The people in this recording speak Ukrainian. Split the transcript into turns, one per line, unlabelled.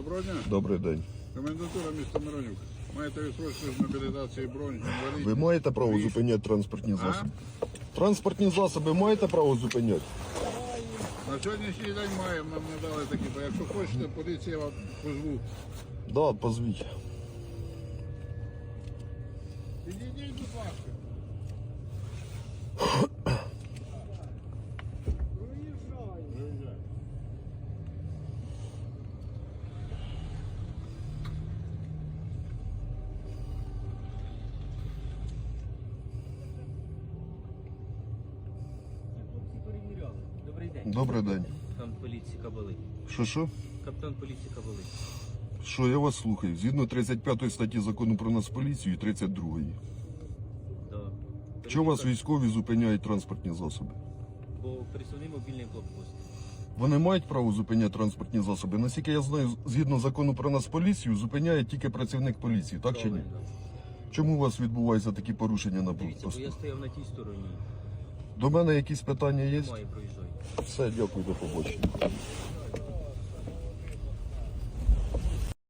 Доброго дня.
Добрий день.
Комендатура міста Миронюк. Маєте відсрочку з мобілізації бронь, інвалідність?
Ви маєте право зупиняти транспортні засоби? Транспортні засоби маєте право зупиняти?
На сьогоднішній день маємо, нам не дали такі, бо якщо хочете, поліція вам позву.
Да, позвіть.
Підійдіть, будь ласка. Виїжджай.
Хлопці перевіряли. Добрий день.
Добрий день.
Капітан поліції Кабали.
Що?
Капітан поліції Кабали.
Що, я вас слухаю. Згідно 35 статті закону про Нацполіцію і 32-ї.
Да.
Чого вас військові зупиняють транспортні засоби?
Бо присувний мобільний блокпост.
Вони мають право зупиняти транспортні засоби? Наскільки я знаю, згідно закону про Нацполіцію, зупиняє тільки працівник поліції, так чи ні?
Правильно.
Чому у вас відбуваються такі порушення на
Дивіться, бо я
блокпостах?
стояв на тій стороні.
До мене якісь питання є?
Немає, проїжджай.
Все, дякую, до побачення.